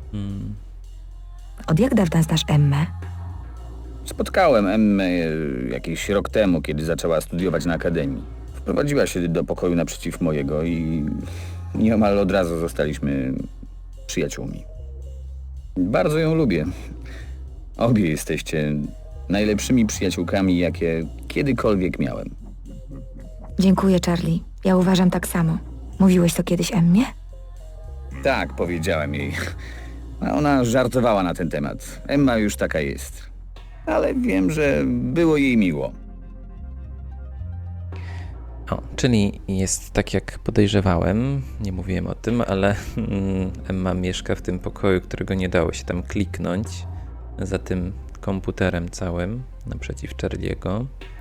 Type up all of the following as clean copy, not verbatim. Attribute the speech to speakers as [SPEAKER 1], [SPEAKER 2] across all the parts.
[SPEAKER 1] Hmm.
[SPEAKER 2] Od jak dawna znasz Emmę?
[SPEAKER 3] Spotkałem Emmę jakiś rok temu, kiedy zaczęła studiować na akademii. Wprowadziła się do pokoju naprzeciw mojego i nieomal od razu zostaliśmy przyjaciółmi. Bardzo ją lubię. Obie jesteście najlepszymi przyjaciółkami, jakie kiedykolwiek miałem.
[SPEAKER 2] Dziękuję, Charlie. Ja uważam tak samo. Mówiłeś to kiedyś Emmie?
[SPEAKER 3] Tak, powiedziałem jej. A ona żartowała na ten temat. Emma już taka jest. Ale wiem, że było jej miło.
[SPEAKER 1] O, czyli jest tak jak podejrzewałem, nie mówiłem o tym, ale Emma mieszka w tym pokoju, którego nie dało się tam kliknąć, za tym komputerem całym, naprzeciw Charlie'ego.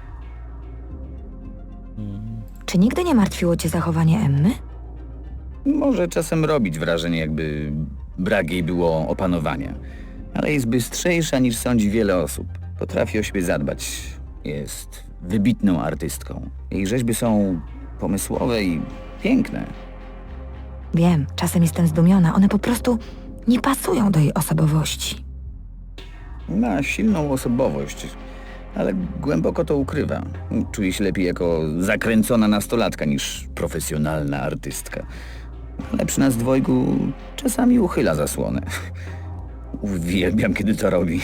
[SPEAKER 2] Czy nigdy nie martwiło cię zachowanie Emmy?
[SPEAKER 3] Może czasem robić wrażenie, jakby brak jej było opanowania. Ale jest bystrzejsza niż sądzi wiele osób. Potrafi o siebie zadbać. Jest wybitną artystką. Jej rzeźby są pomysłowe i piękne.
[SPEAKER 2] Wiem, czasem jestem zdumiona. One po prostu nie pasują do jej osobowości.
[SPEAKER 3] Ma silną osobowość, ale głęboko to ukrywa. Czuje się lepiej jako zakręcona nastolatka niż profesjonalna artystka. Ale przy nas dwojgu czasami uchyla zasłonę. Uwielbiam, kiedy to robi.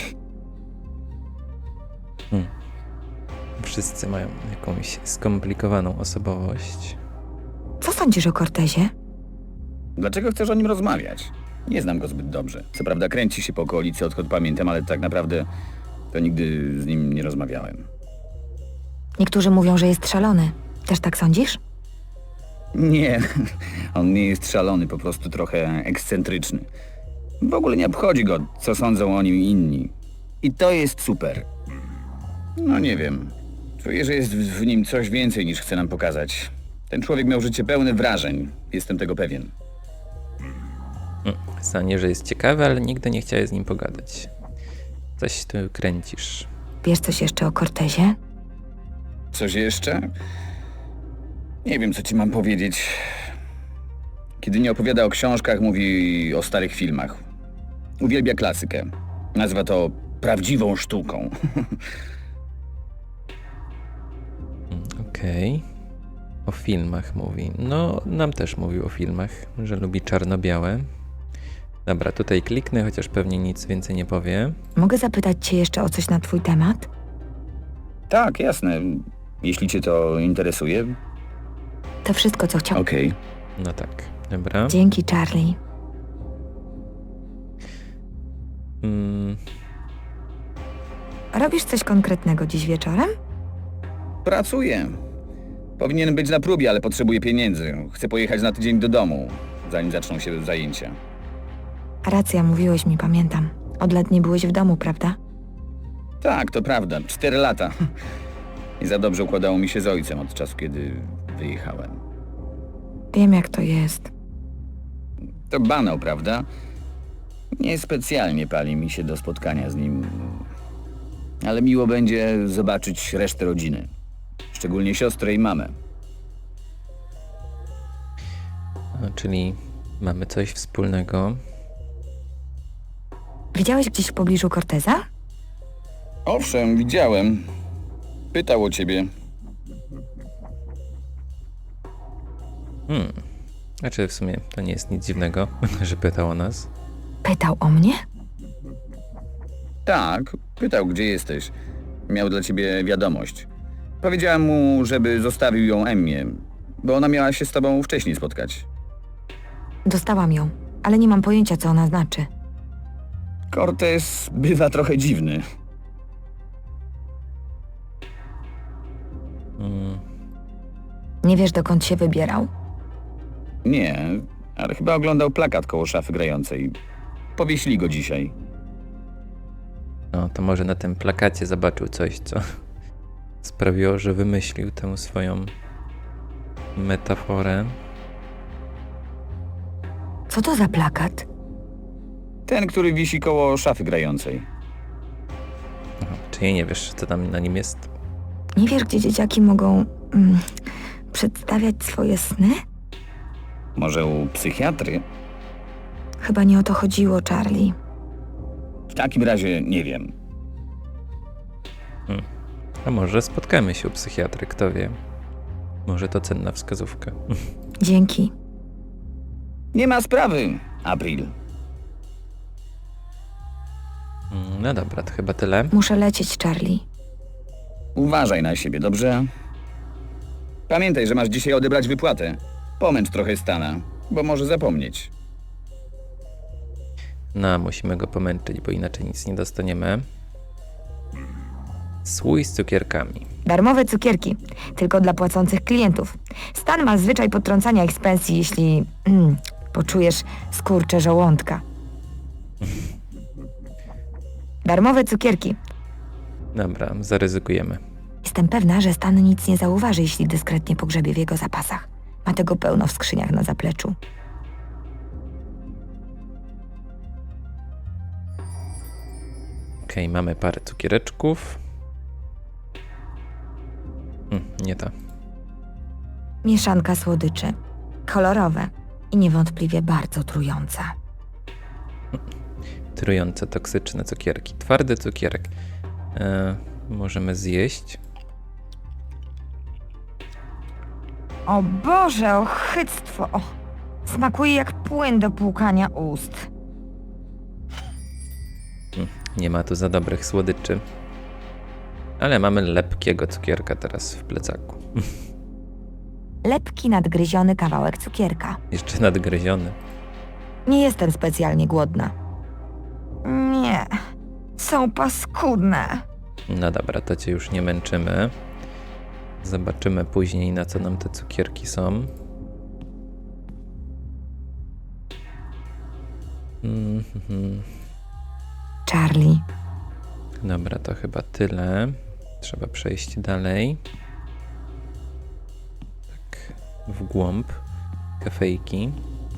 [SPEAKER 1] Wszyscy mają jakąś skomplikowaną osobowość.
[SPEAKER 2] Co sądzisz o Cortezie?
[SPEAKER 3] Dlaczego chcesz o nim rozmawiać? Nie znam go zbyt dobrze. Co prawda kręci się po okolicy, odkąd pamiętam, ale tak naprawdę to nigdy z nim nie rozmawiałem.
[SPEAKER 2] Niektórzy mówią, że jest szalony. Też tak sądzisz?
[SPEAKER 3] Nie, on nie jest szalony, po prostu trochę ekscentryczny. W ogóle nie obchodzi go, co sądzą o nim inni. I to jest super. No nie wiem. Czuję, że jest w nim coś więcej niż chce nam pokazać. Ten człowiek miał życie pełne wrażeń. Jestem tego pewien.
[SPEAKER 1] Zdanie, że jest ciekawy, ale nigdy nie chciałeś z nim pogadać. Coś tu kręcisz.
[SPEAKER 2] Wiesz coś jeszcze o Cortezie?
[SPEAKER 3] Coś jeszcze? Nie wiem, co ci mam powiedzieć. Kiedy nie opowiada o książkach, mówi o starych filmach. Uwielbia klasykę. Nazywa to prawdziwą sztuką.
[SPEAKER 1] Okej. O filmach mówi. No, nam też mówił o filmach, że lubi czarno-białe. Dobra, tutaj kliknę, chociaż pewnie nic więcej nie powie.
[SPEAKER 2] Mogę zapytać cię jeszcze o coś na twój temat?
[SPEAKER 3] Tak, jasne. Jeśli cię to interesuje.
[SPEAKER 2] To wszystko, co chciałam.
[SPEAKER 3] Okej.
[SPEAKER 1] No tak, dobra.
[SPEAKER 2] Dzięki, Charlie.
[SPEAKER 1] Mm,
[SPEAKER 2] Robisz coś konkretnego dziś wieczorem?
[SPEAKER 3] Pracuję. Powinien być na próbie, ale potrzebuję pieniędzy. Chcę pojechać na tydzień do domu, zanim zaczną się zajęcia.
[SPEAKER 2] Racja, mówiłeś mi, pamiętam. Od lat nie byłeś w domu, prawda?
[SPEAKER 3] Tak, to prawda. 4 lata. I za dobrze układało mi się z ojcem od czasu, kiedy wyjechałem.
[SPEAKER 2] Wiem, jak to jest.
[SPEAKER 3] To banał, prawda? Niespecjalnie pali mi się do spotkania z nim. Ale miło będzie zobaczyć resztę rodziny. Szczególnie siostrę i mamę.
[SPEAKER 1] no, czyli mamy coś wspólnego.
[SPEAKER 2] Widziałeś gdzieś w pobliżu Corteza?
[SPEAKER 3] Owszem, widziałem. Pytał o ciebie.
[SPEAKER 1] Znaczy w sumie to nie jest nic dziwnego, że pytał o nas.
[SPEAKER 2] Pytał o mnie?
[SPEAKER 3] Tak, pytał, gdzie jesteś. Miał dla ciebie wiadomość. Powiedziałem mu, żeby zostawił ją Emmie, bo ona miała się z tobą wcześniej spotkać.
[SPEAKER 2] Dostałam ją, ale nie mam pojęcia, co ona znaczy.
[SPEAKER 3] Cortez bywa trochę dziwny.
[SPEAKER 2] Nie wiesz, dokąd się wybierał?
[SPEAKER 3] Nie, ale chyba oglądał plakat koło szafy grającej. Powiesili go dzisiaj.
[SPEAKER 1] No, to może na tym plakacie zobaczył coś, co sprawiło, że wymyślił tę swoją metaforę.
[SPEAKER 2] Co to za plakat?
[SPEAKER 3] Ten, który wisi koło szafy grającej.
[SPEAKER 1] Aha, czyli nie wiesz, co tam na nim jest?
[SPEAKER 2] Nie wiesz, gdzie dzieciaki mogą przedstawiać swoje sny?
[SPEAKER 3] Może u psychiatry?
[SPEAKER 2] Chyba nie o to chodziło, Charlie.
[SPEAKER 3] W takim razie nie wiem.
[SPEAKER 1] A może spotkamy się u psychiatry, kto wie. Może to cenna wskazówka.
[SPEAKER 2] Dzięki.
[SPEAKER 3] Nie ma sprawy, April.
[SPEAKER 1] No dobra, to chyba tyle.
[SPEAKER 2] Muszę lecieć, Charlie.
[SPEAKER 3] Uważaj na siebie, dobrze? Pamiętaj, że masz dzisiaj odebrać wypłatę. Pomęcz trochę Stana, bo może zapomnieć.
[SPEAKER 1] No, musimy go pomęczyć, bo inaczej nic nie dostaniemy. Słój z cukierkami.
[SPEAKER 2] Darmowe cukierki, tylko dla płacących klientów. Stan ma zwyczaj potrącania ich z pensji, jeśli poczujesz skurcze żołądka. Darmowe cukierki.
[SPEAKER 1] Dobra, zaryzykujemy.
[SPEAKER 2] Jestem pewna, że Stan nic nie zauważy, jeśli dyskretnie pogrzebie w jego zapasach. Ma tego pełno w skrzyniach na zapleczu.
[SPEAKER 1] Okej, mamy parę cukiereczków. Nie to.
[SPEAKER 2] Mieszanka słodyczy. Kolorowe i niewątpliwie bardzo trująca.
[SPEAKER 1] Trujące, toksyczne cukierki. Twardy cukierek. Możemy zjeść.
[SPEAKER 2] O Boże, ochyctwo! Smakuje jak płyn do płukania ust.
[SPEAKER 1] Nie ma tu za dobrych słodyczy. Ale mamy lepkiego cukierka teraz w plecaku.
[SPEAKER 2] Lepki nadgryziony kawałek cukierka.
[SPEAKER 1] Jeszcze nadgryziony.
[SPEAKER 2] Nie jestem specjalnie głodna. Nie, są paskudne.
[SPEAKER 1] No dobra, to cię już nie męczymy. Zobaczymy później, na co nam te cukierki są.
[SPEAKER 2] Charlie,
[SPEAKER 1] Dobra, to chyba tyle. Trzeba przejść dalej. Tak, w głąb kafejki.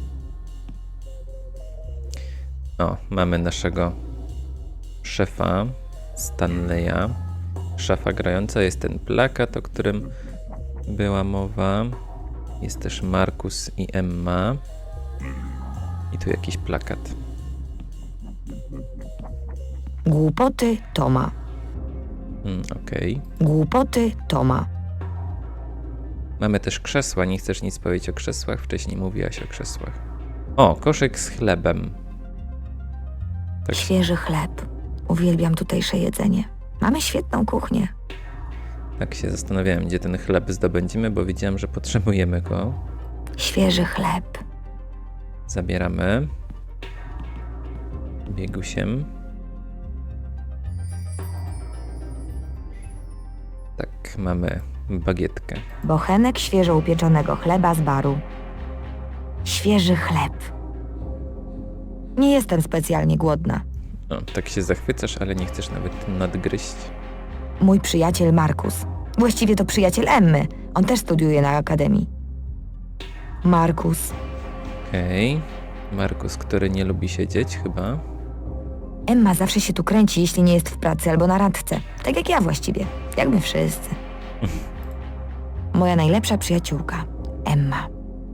[SPEAKER 1] O, mamy naszego szefa Stanleya. Szafa grająca, jest ten plakat, o którym była mowa. Jest też Markus i Emma. I tu jakiś plakat.
[SPEAKER 2] głupoty Toma.
[SPEAKER 1] Okej.
[SPEAKER 2] Głupoty Toma.
[SPEAKER 1] Mamy też krzesła. Nie chcesz nic powiedzieć o krzesłach? Wcześniej mówiłaś o krzesłach. O, koszyk z chlebem. Tak,
[SPEAKER 2] Świeży chleb. Uwielbiam tutejsze jedzenie. Mamy świetną kuchnię.
[SPEAKER 1] tak się zastanawiałem, gdzie ten chleb zdobędziemy, bo widziałem, że potrzebujemy go.
[SPEAKER 2] Świeży chleb.
[SPEAKER 1] Zabieramy. Biegusiem. Tak, mamy bagietkę.
[SPEAKER 2] Bochenek świeżo upieczonego chleba z baru. Świeży chleb. Nie jestem specjalnie głodna.
[SPEAKER 1] O, tak się zachwycasz, ale nie chcesz nawet nadgryźć.
[SPEAKER 2] Mój przyjaciel Markus. Właściwie to przyjaciel Emmy. On też studiuje na akademii. Markus.
[SPEAKER 1] Okej. Markus, który nie lubi siedzieć chyba.
[SPEAKER 2] Emma zawsze się tu kręci, jeśli nie jest w pracy albo na randce. Tak jak ja właściwie. Jak my wszyscy. Moja najlepsza przyjaciółka. Emma.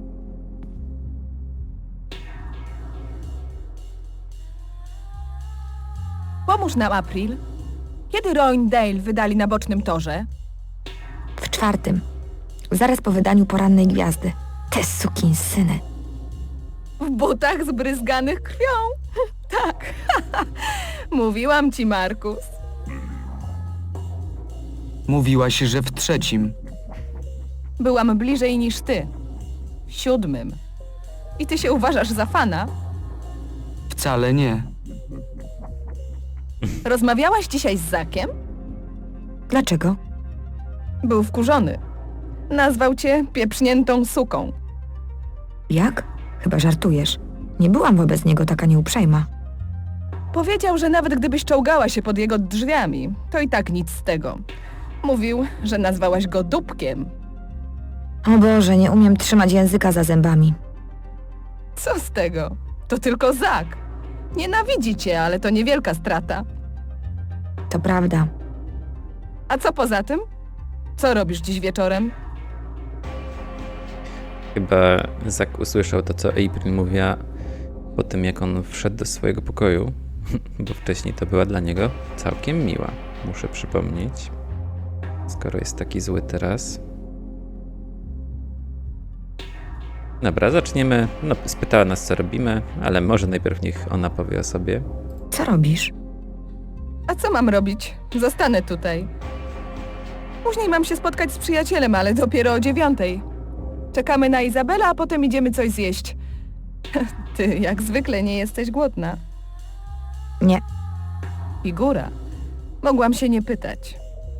[SPEAKER 4] Pomóż nam, April. Kiedy Roindale wydali na bocznym torze?
[SPEAKER 2] W 4. Zaraz po wydaniu Porannej Gwiazdy. Te sukinsyny.
[SPEAKER 4] W butach zbryzganych krwią. Tak. Mówiłam ci, Markus.
[SPEAKER 5] Mówiłaś, że w 3.
[SPEAKER 4] Byłam bliżej niż ty. W 7. I ty się uważasz za fana?
[SPEAKER 5] Wcale nie.
[SPEAKER 4] Rozmawiałaś dzisiaj z Zakiem?
[SPEAKER 2] Dlaczego?
[SPEAKER 4] Był wkurzony. Nazwał cię pieprzniętą suką.
[SPEAKER 2] Jak? Chyba żartujesz. Nie byłam wobec niego taka nieuprzejma.
[SPEAKER 4] Powiedział, że nawet gdybyś czołgała się pod jego drzwiami, to i tak nic z tego. Mówił, że nazwałaś go dupkiem.
[SPEAKER 2] O Boże, nie umiem trzymać języka za zębami.
[SPEAKER 4] Co z tego? To tylko Zak. Nienawidzi cię, ale to niewielka strata.
[SPEAKER 2] To prawda.
[SPEAKER 4] A co poza tym? Co robisz dziś wieczorem?
[SPEAKER 1] Chyba Zak usłyszał to, co April mówiła po tym, jak on wszedł do swojego pokoju, bo wcześniej to była dla niego całkiem miła, muszę przypomnieć, skoro jest taki zły teraz. Dobra, zaczniemy. No, spytała nas, co robimy, ale może najpierw niech ona powie o sobie.
[SPEAKER 2] Co robisz?
[SPEAKER 4] A co mam robić? Zostanę tutaj. Później mam się spotkać z przyjacielem, ale dopiero o 9:00. Czekamy na Izabela, a potem idziemy coś zjeść. Ty jak zwykle nie jesteś głodna.
[SPEAKER 2] Nie.
[SPEAKER 4] Figura. Mogłam się nie pytać.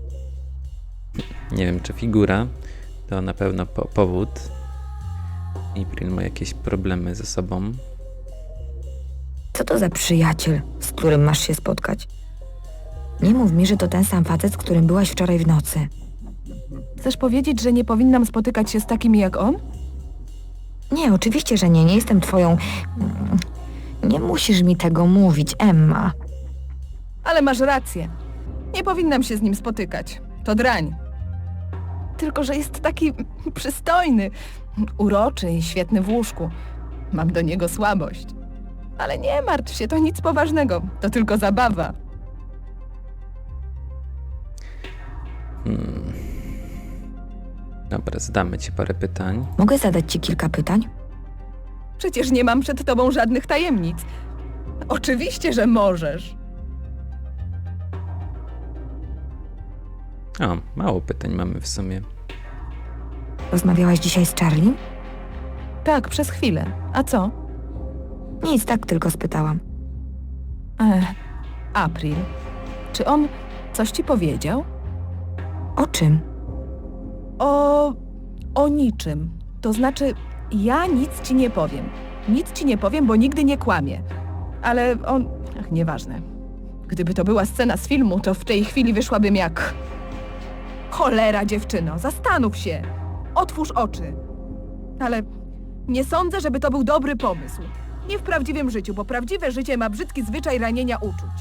[SPEAKER 1] Nie wiem, czy figura to na pewno powód. April ma jakieś problemy ze sobą.
[SPEAKER 2] Co to za przyjaciel, z którym masz się spotkać? Nie mów mi, że to ten sam facet, z którym byłaś wczoraj w nocy.
[SPEAKER 4] Chcesz powiedzieć, że nie powinnam spotykać się z takimi jak on?
[SPEAKER 2] Nie, oczywiście, że nie. Nie jestem twoją... Nie musisz mi tego mówić, Emma.
[SPEAKER 4] Ale masz rację. Nie powinnam się z nim spotykać. To drań. Tylko że jest taki przystojny, uroczy i świetny w łóżku. Mam do niego słabość. Ale nie martw się, to nic poważnego. To tylko zabawa.
[SPEAKER 1] Dobra, zadamy ci parę pytań.
[SPEAKER 2] Mogę zadać ci kilka pytań?
[SPEAKER 4] Przecież nie mam przed tobą żadnych tajemnic. Oczywiście, że możesz.
[SPEAKER 1] O, mało pytań mamy w sumie.
[SPEAKER 2] Rozmawiałaś dzisiaj z Charlie?
[SPEAKER 4] Tak, przez chwilę. A co?
[SPEAKER 2] Nic, tak tylko spytałam.
[SPEAKER 4] April. Czy on coś ci powiedział?
[SPEAKER 2] O czym?
[SPEAKER 4] O niczym. To znaczy, ja nic ci nie powiem. Nic ci nie powiem, bo nigdy nie kłamię. Ale on... Ach, nieważne. Gdyby to była scena z filmu, to w tej chwili wyszłabym jak... Cholera, dziewczyno, zastanów się. Otwórz oczy. Ale nie sądzę, żeby to był dobry pomysł. Nie w prawdziwym życiu, bo prawdziwe życie ma brzydki zwyczaj ranienia uczuć.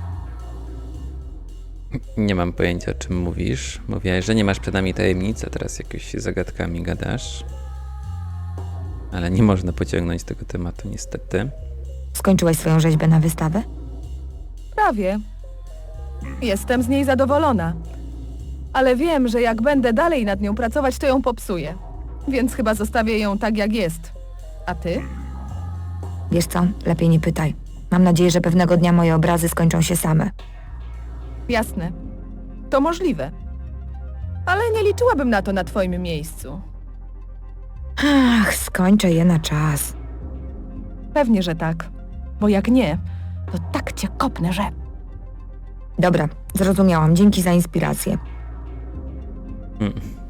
[SPEAKER 1] Nie mam pojęcia, o czym mówisz. Mówiłaś, że nie masz przed nami tajemnic, a teraz jakoś zagadkami gadasz. Ale nie można pociągnąć tego tematu, niestety.
[SPEAKER 2] Skończyłaś swoją rzeźbę na wystawę?
[SPEAKER 4] Prawie. Jestem z niej zadowolona. Ale wiem, że jak będę dalej nad nią pracować, to ją popsuję. Więc chyba zostawię ją tak, jak jest. A ty?
[SPEAKER 2] Wiesz co? Lepiej nie pytaj. Mam nadzieję, że pewnego dnia moje obrazy skończą się same.
[SPEAKER 4] Jasne. To możliwe. Ale nie liczyłabym na to na twoim miejscu.
[SPEAKER 2] Ach, skończę je na czas.
[SPEAKER 4] Pewnie, że tak. Bo jak nie, to tak cię kopnę, że...
[SPEAKER 2] Dobra, zrozumiałam. Dzięki za inspirację.
[SPEAKER 1] Mm.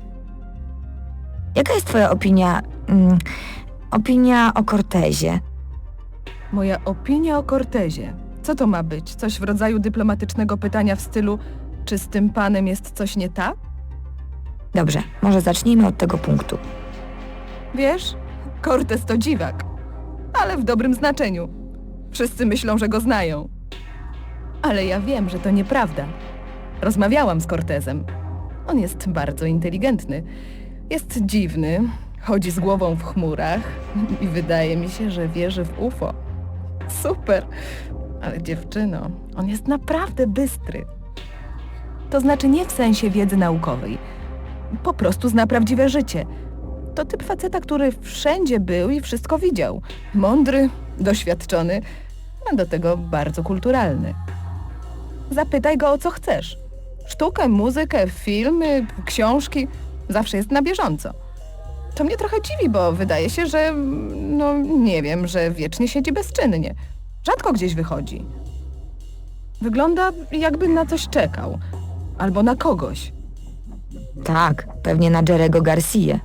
[SPEAKER 2] Jaka jest twoja opinia... opinia o Cortezie?
[SPEAKER 4] Moja opinia o Cortezie. Co to ma być? Coś w rodzaju dyplomatycznego pytania w stylu, czy z tym panem jest coś nie tak?
[SPEAKER 2] Dobrze, może zacznijmy od tego punktu.
[SPEAKER 4] Wiesz, Cortez to dziwak. Ale w dobrym znaczeniu. Wszyscy myślą, że go znają. Ale ja wiem, że to nieprawda. Rozmawiałam z Cortezem. On jest bardzo inteligentny. Jest dziwny, chodzi z głową w chmurach i wydaje mi się, że wierzy w UFO. Super! Ale dziewczyno, on jest naprawdę bystry. To znaczy nie w sensie wiedzy naukowej. Po prostu zna prawdziwe życie. To typ faceta, który wszędzie był i wszystko widział. Mądry, doświadczony, a do tego bardzo kulturalny. Zapytaj go, o co chcesz. Sztukę, muzykę, filmy, książki. Zawsze jest na bieżąco. To mnie trochę dziwi, bo wydaje się, że... no nie wiem, że wiecznie siedzi bezczynnie. Rzadko gdzieś wychodzi. Wygląda, jakby na coś czekał. Albo na kogoś.
[SPEAKER 2] Tak, pewnie na Jerego Garcia.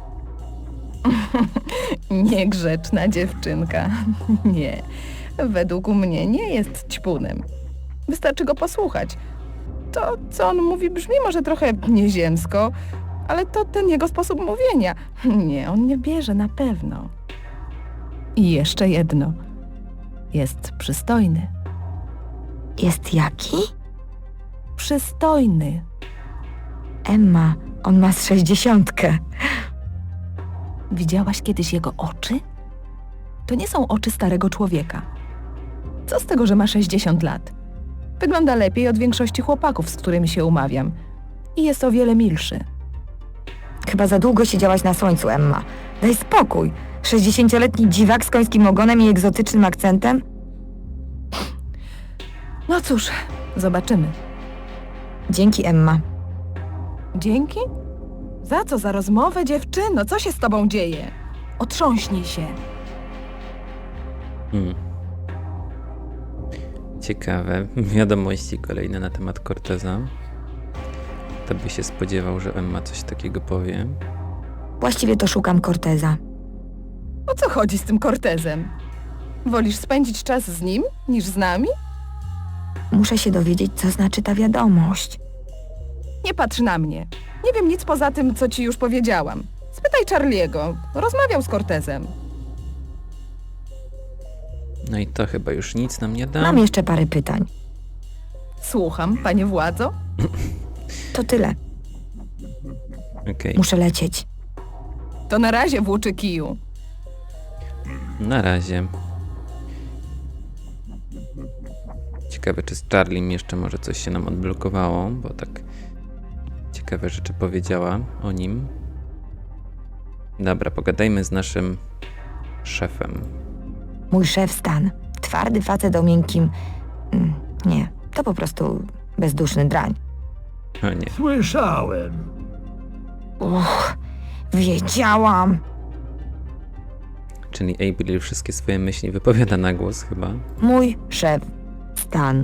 [SPEAKER 4] Niegrzeczna dziewczynka. Nie. Według mnie nie jest ćpunem. Wystarczy go posłuchać. To, co on mówi, brzmi może trochę nieziemsko, ale to ten jego sposób mówienia. Nie, on nie bierze na pewno. I jeszcze jedno. Jest przystojny.
[SPEAKER 2] Jest jaki?
[SPEAKER 4] Przystojny.
[SPEAKER 2] Emma, on ma z 60.
[SPEAKER 4] Widziałaś kiedyś jego oczy? To nie są oczy starego człowieka. Co z tego, że ma 60 lat? Wygląda lepiej od większości chłopaków, z którymi się umawiam. I jest o wiele milszy.
[SPEAKER 2] Chyba za długo siedziałaś na słońcu, Emma. Daj spokój. 60-letni dziwak z końskim ogonem i egzotycznym akcentem?
[SPEAKER 4] No cóż, zobaczymy.
[SPEAKER 2] Dzięki, Emma.
[SPEAKER 4] Dzięki? Za co? Za rozmowę, dziewczyno? Co się z tobą dzieje? Otrząśnij się.
[SPEAKER 1] Ciekawe. Wiadomości kolejne na temat Corteza. Kto by się spodziewał, że Emma coś takiego powie?
[SPEAKER 2] Właściwie to szukam Corteza.
[SPEAKER 4] O co chodzi z tym Cortezem? Wolisz spędzić czas z nim niż z nami?
[SPEAKER 2] Muszę się dowiedzieć, co znaczy ta wiadomość.
[SPEAKER 4] Nie patrz na mnie. Nie wiem nic poza tym, co ci już powiedziałam. Spytaj Charlie'ego. Rozmawiał z Cortezem.
[SPEAKER 1] No i to chyba już nic nam nie da.
[SPEAKER 2] Mam jeszcze parę pytań.
[SPEAKER 4] Słucham, panie władzo.
[SPEAKER 2] To tyle.
[SPEAKER 1] Okej.
[SPEAKER 2] Muszę lecieć.
[SPEAKER 4] To na razie, włóczy kiju.
[SPEAKER 1] Na razie. Ciekawe, czy z Charliem jeszcze może coś się nam odblokowało, bo tak ciekawe rzeczy powiedziała o nim. Dobra, pogadajmy z naszym szefem.
[SPEAKER 2] Mój szef Stan. Twardy facet o miękkim... Nie, to po prostu bezduszny drań.
[SPEAKER 1] O nie.
[SPEAKER 6] Słyszałem.
[SPEAKER 2] Wiedziałam.
[SPEAKER 1] Czyli Abigail wszystkie swoje myśli wypowiada na głos chyba.
[SPEAKER 2] Mój szef Stan.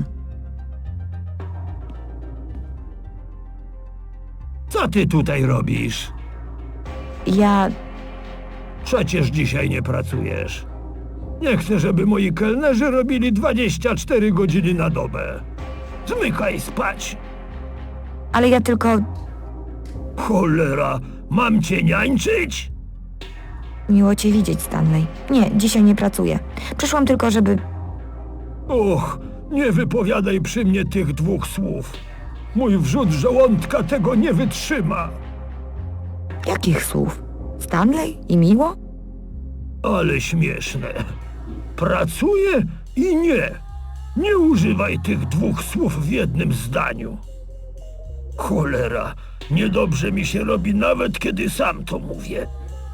[SPEAKER 6] Co ty tutaj robisz?
[SPEAKER 2] Ja...
[SPEAKER 6] Przecież dzisiaj nie pracujesz. Nie chcę, żeby moi kelnerzy robili 24 godziny na dobę. Zmykaj spać.
[SPEAKER 2] Ale ja tylko...
[SPEAKER 6] Cholera, mam cię niańczyć?
[SPEAKER 2] Miło cię widzieć, Stanley. Nie, dzisiaj nie pracuję. Przyszłam tylko, żeby...
[SPEAKER 6] Och, nie wypowiadaj przy mnie tych dwóch słów. Mój wrzód żołądka tego nie wytrzyma.
[SPEAKER 2] Jakich słów? Stanley i miło?
[SPEAKER 6] Ale śmieszne. Pracuję i nie. Nie używaj tych dwóch słów w jednym zdaniu. Cholera, niedobrze mi się robi nawet, kiedy sam to mówię.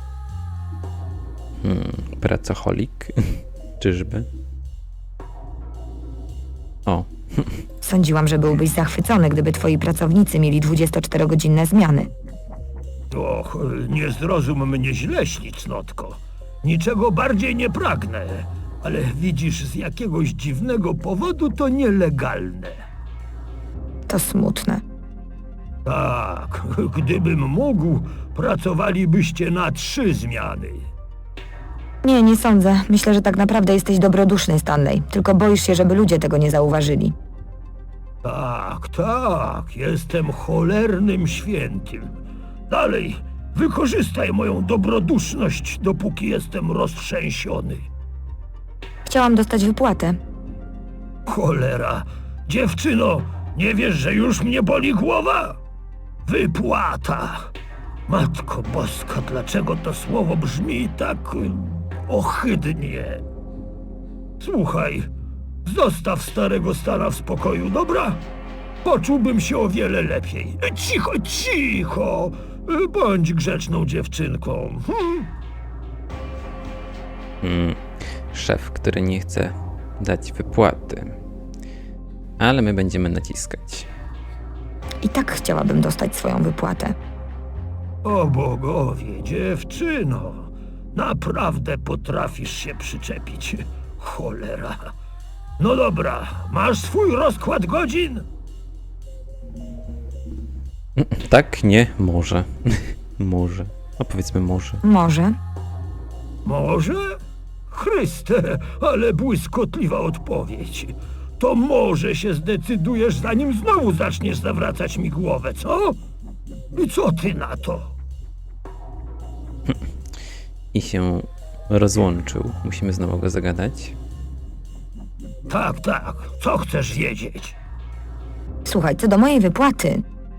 [SPEAKER 1] Pracoholik. Czyżby? O,
[SPEAKER 2] Sądziłam, że byłbyś zachwycony, gdyby twoi pracownicy mieli 24-godzinne zmiany.
[SPEAKER 6] Och, nie zrozum mnie źle, ślicznotko. Niczego bardziej nie pragnę. Ale widzisz, z jakiegoś dziwnego powodu to nielegalne.
[SPEAKER 2] To smutne.
[SPEAKER 6] Tak, gdybym mógł, pracowalibyście na 3 zmiany.
[SPEAKER 2] Nie, nie sądzę. Myślę, że tak naprawdę jesteś dobroduszny, Stanley. Tylko boisz się, żeby ludzie tego nie zauważyli.
[SPEAKER 6] Tak, tak, jestem cholernym świętym. Dalej, wykorzystaj moją dobroduszność, dopóki jestem roztrzęsiony.
[SPEAKER 2] Chciałam dostać wypłatę.
[SPEAKER 6] Cholera, dziewczyno, nie wiesz, że już mnie boli głowa? Wypłata. Matko Boska, dlaczego to słowo brzmi tak ohydnie? Słuchaj, zostaw starego Stana w spokoju, dobra? Poczułbym się o wiele lepiej. Cicho, cicho! Bądź grzeczną dziewczynką.
[SPEAKER 1] szef, który nie chce dać wypłaty. Ale my będziemy naciskać.
[SPEAKER 2] I tak chciałabym dostać swoją wypłatę.
[SPEAKER 6] O bogowie, dziewczyno, naprawdę potrafisz się przyczepić. Cholera. No dobra, masz swój rozkład godzin?
[SPEAKER 1] Tak? Nie? Może. Może. No powiedzmy może.
[SPEAKER 2] Może.
[SPEAKER 6] Może? Chryste, ale błyskotliwa odpowiedź. To może się zdecydujesz, zanim znowu zaczniesz zawracać mi głowę, co? I co ty na to?
[SPEAKER 1] I się rozłączył. Musimy znowu go zagadać.
[SPEAKER 6] Tak, tak, co chcesz wiedzieć?
[SPEAKER 2] Słuchaj, co do mojej wypłaty,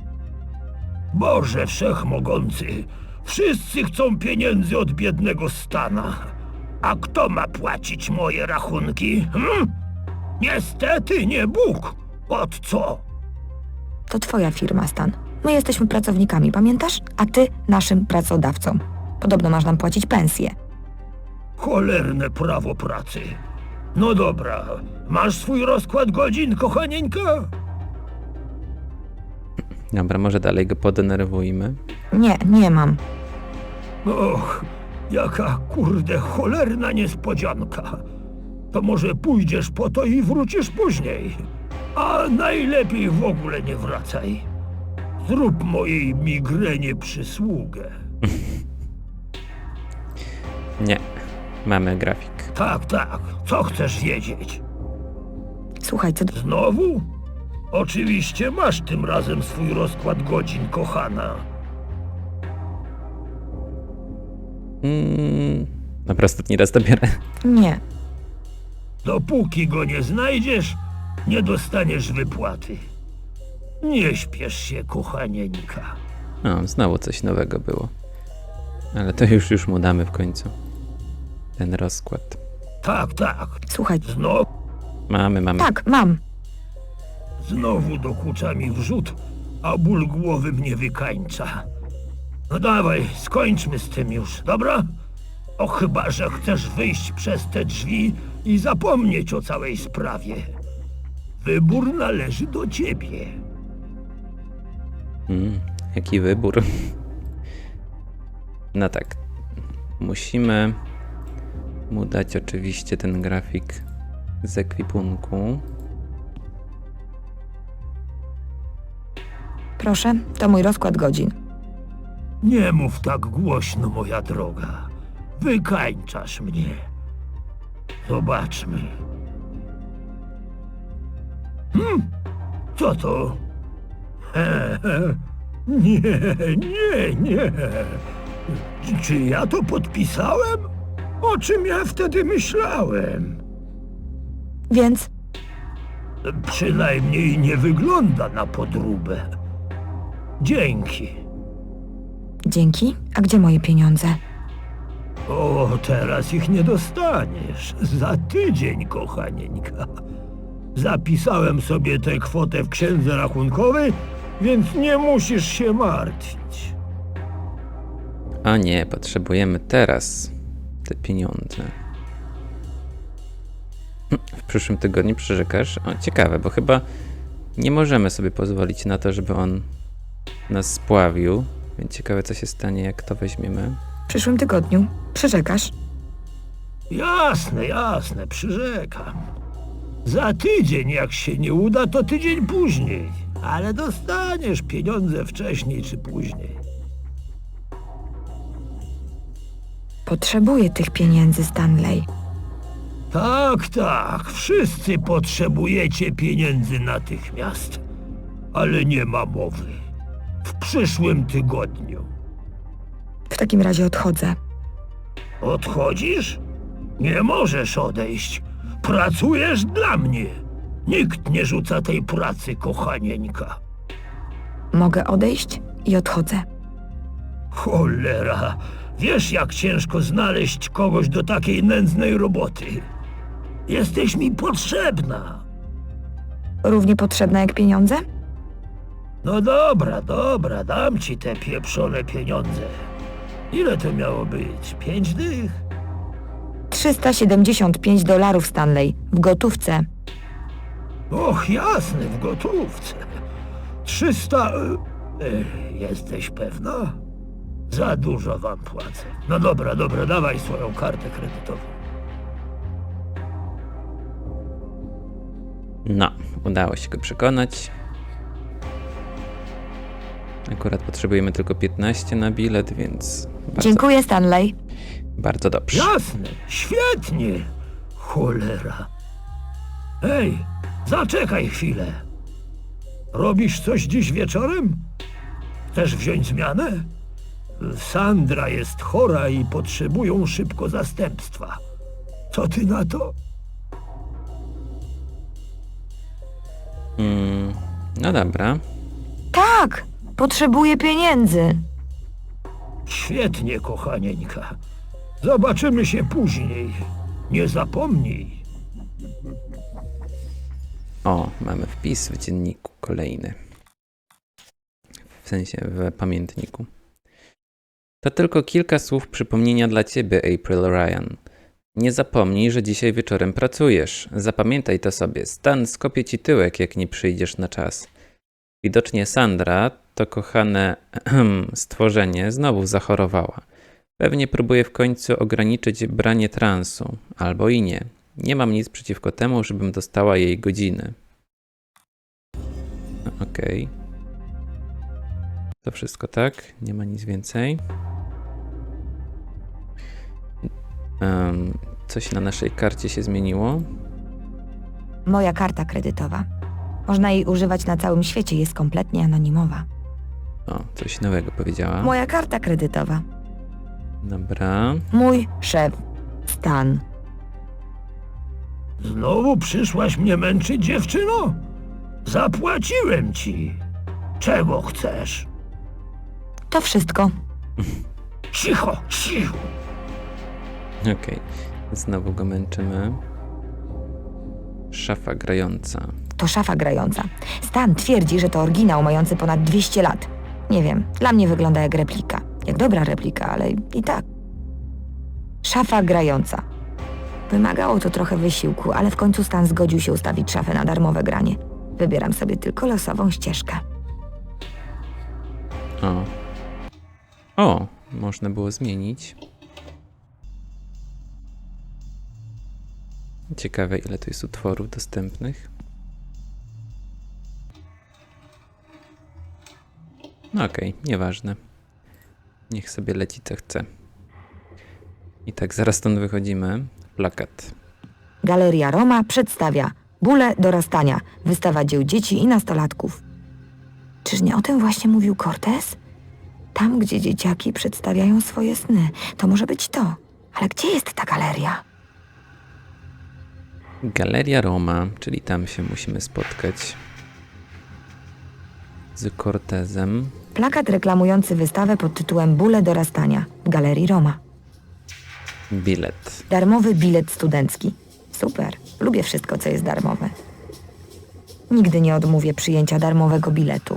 [SPEAKER 6] Boże Wszechmogący, wszyscy chcą pieniędzy od biednego Stana. A kto ma płacić moje rachunki? Niestety nie Bóg. Od co?
[SPEAKER 2] To twoja firma, Stan. My jesteśmy pracownikami, pamiętasz? A ty naszym pracodawcą. Podobno masz nam płacić pensję.
[SPEAKER 6] Cholerne prawo pracy. No dobra, masz swój rozkład godzin, kochanieńka?
[SPEAKER 1] Dobra, może dalej go podenerwujmy.
[SPEAKER 2] Nie mam.
[SPEAKER 6] Och, jaka kurde cholerna niespodzianka. To może pójdziesz po to i wrócisz później. A najlepiej w ogóle nie wracaj. Zrób mojej migrenie przysługę.
[SPEAKER 1] Nie, mamy grafik.
[SPEAKER 6] Tak, tak. Co chcesz wiedzieć?
[SPEAKER 2] Słuchaj, co...
[SPEAKER 6] Znowu? Oczywiście masz tym razem swój rozkład godzin, kochana.
[SPEAKER 1] Dobra, ostatni raz to biorę.
[SPEAKER 2] Nie.
[SPEAKER 6] Dopóki go nie znajdziesz, nie dostaniesz wypłaty. Nie śpiesz się, kochanieńka.
[SPEAKER 1] O, znowu coś nowego było. Ale to już mu damy w końcu. Ten rozkład.
[SPEAKER 6] Tak, tak.
[SPEAKER 2] Słuchaj,
[SPEAKER 1] Mamy.
[SPEAKER 2] tak, mam.
[SPEAKER 6] Znowu dokucza mi wrzód, a ból głowy mnie wykańcza. No dawaj, skończmy z tym już, dobra? O chyba, że chcesz wyjść przez te drzwi i zapomnieć o całej sprawie. Wybór należy do ciebie.
[SPEAKER 1] Jaki wybór. No tak. Musimy mu dać oczywiście ten grafik z ekwipunku.
[SPEAKER 2] Proszę, to mój rozkład godzin.
[SPEAKER 6] Nie mów tak głośno, moja droga. Wykańczasz mnie. Zobaczmy. Co to? Nie. Czy ja to podpisałem? O czym ja wtedy myślałem?
[SPEAKER 2] Więc
[SPEAKER 6] Przynajmniej nie wygląda na podróbę. Dzięki.
[SPEAKER 2] dzięki. A gdzie moje pieniądze?
[SPEAKER 6] O, teraz ich nie dostaniesz. Za tydzień, kochanieńka. Zapisałem sobie tę kwotę w księdze rachunkowej, więc nie musisz się martwić.
[SPEAKER 1] A nie, potrzebujemy teraz te pieniądze. W przyszłym tygodniu przyrzekasz? O, ciekawe, bo chyba nie możemy sobie pozwolić na to, żeby on nas spławił. Więc ciekawe, co się stanie, jak to weźmiemy.
[SPEAKER 2] W przyszłym tygodniu. Przyrzekasz?
[SPEAKER 6] Jasne, przyrzekam. Za tydzień, jak się nie uda, to tydzień później. Ale dostaniesz pieniądze wcześniej czy później.
[SPEAKER 2] Potrzebuję tych pieniędzy, Stanley.
[SPEAKER 6] Tak, wszyscy potrzebujecie pieniędzy natychmiast. Ale nie ma mowy. W przyszłym tygodniu.
[SPEAKER 2] W takim razie odchodzę.
[SPEAKER 6] Odchodzisz? Nie możesz odejść. Pracujesz dla mnie. Nikt nie rzuca tej pracy, kochanieńka.
[SPEAKER 2] Mogę odejść i odchodzę.
[SPEAKER 6] Cholera, wiesz jak ciężko znaleźć kogoś do takiej nędznej roboty. Jesteś mi potrzebna.
[SPEAKER 2] Równie potrzebna jak pieniądze?
[SPEAKER 6] No dobra, dam ci te pieprzone pieniądze. Ile to miało być? 5 dych?
[SPEAKER 2] $375, Stanley. W gotówce.
[SPEAKER 6] Och, jasne, w gotówce. 300... jesteś pewna? Za dużo wam płacę. No dobra, dawaj swoją kartę kredytową.
[SPEAKER 1] No, udało się go przekonać. Akurat potrzebujemy tylko 15 na bilet, więc
[SPEAKER 2] Dziękuję, Stanley.
[SPEAKER 1] bardzo dobrze.
[SPEAKER 6] Jasne, świetnie. Cholera. Hej, zaczekaj chwilę. Robisz coś dziś wieczorem? Chcesz wziąć zmianę? Sandra jest chora i potrzebują szybko zastępstwa. Co ty na to?
[SPEAKER 1] No dobra.
[SPEAKER 2] Tak, potrzebuję pieniędzy.
[SPEAKER 6] Świetnie, kochanieńka. Zobaczymy się później. Nie zapomnij.
[SPEAKER 1] O, mamy wpis w dzienniku kolejny. W sensie w pamiętniku. To tylko kilka słów przypomnienia dla ciebie, April Ryan. Nie zapomnij, że dzisiaj wieczorem pracujesz. Zapamiętaj to sobie. Stan skopie ci tyłek, jak nie przyjdziesz na czas. Widocznie Sandra, to kochane stworzenie, znowu zachorowała. Pewnie próbuje w końcu ograniczyć branie transu. Albo i nie. Nie mam nic przeciwko temu, żebym dostała jej godziny. Okej. To wszystko tak? Nie ma nic więcej. Coś na naszej karcie się zmieniło?
[SPEAKER 2] Moja karta kredytowa. Można jej używać na całym świecie, jest kompletnie anonimowa.
[SPEAKER 1] O, coś nowego powiedziała.
[SPEAKER 2] Moja karta kredytowa.
[SPEAKER 1] Dobra.
[SPEAKER 2] Mój szef, Stan.
[SPEAKER 6] Znowu przyszłaś mnie męczyć, dziewczyno? Zapłaciłem ci. Czego chcesz?
[SPEAKER 2] To wszystko.
[SPEAKER 6] Cicho, cicho.
[SPEAKER 1] Okej. Znowu go męczymy. Szafa grająca.
[SPEAKER 2] To szafa grająca. Stan twierdzi, że to oryginał mający ponad 200 lat. Nie wiem, dla mnie wygląda jak replika. Jak dobra replika, ale i tak. Szafa grająca. Wymagało to trochę wysiłku, ale w końcu Stan zgodził się ustawić szafę na darmowe granie. Wybieram sobie tylko losową ścieżkę.
[SPEAKER 1] O, można było zmienić. Ciekawe, ile tu jest utworów dostępnych. No okej, nieważne. Niech sobie leci co chce. I tak, zaraz stąd wychodzimy. Plakat.
[SPEAKER 2] Galeria Roma przedstawia Bóle dorastania, wystawa dzieł dzieci i nastolatków. Czyż nie o tym właśnie mówił Cortez? Tam, gdzie dzieciaki przedstawiają swoje sny. To może być to. Ale gdzie jest ta galeria?
[SPEAKER 1] Galeria Roma, czyli tam się musimy spotkać z Cortezem.
[SPEAKER 2] Plakat reklamujący wystawę pod tytułem Bóle dorastania w Galerii Roma.
[SPEAKER 1] Bilet.
[SPEAKER 2] Darmowy bilet studencki. Super. Lubię wszystko, co jest darmowe. Nigdy nie odmówię przyjęcia darmowego biletu.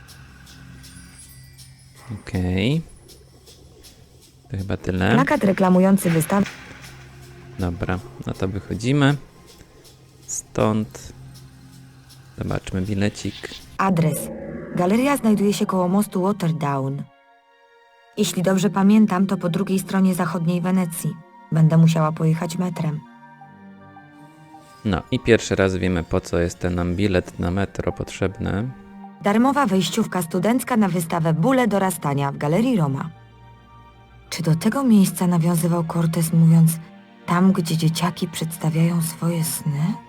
[SPEAKER 1] Okej. To chyba tyle.
[SPEAKER 2] Plakat reklamujący wystawę.
[SPEAKER 1] Dobra, no to wychodzimy. Stąd. Zobaczmy bilecik.
[SPEAKER 2] Adres. Galeria znajduje się koło mostu Waterdown. Jeśli dobrze pamiętam, to po drugiej stronie zachodniej Wenecji. Będę musiała pojechać metrem.
[SPEAKER 1] No i pierwszy raz wiemy, po co jest ten nam bilet na metro potrzebny.
[SPEAKER 2] Darmowa wejściówka studencka na wystawę Bóle dorastania w Galerii Roma. Czy do tego miejsca nawiązywał Cortez, mówiąc tam, gdzie dzieciaki przedstawiają swoje sny?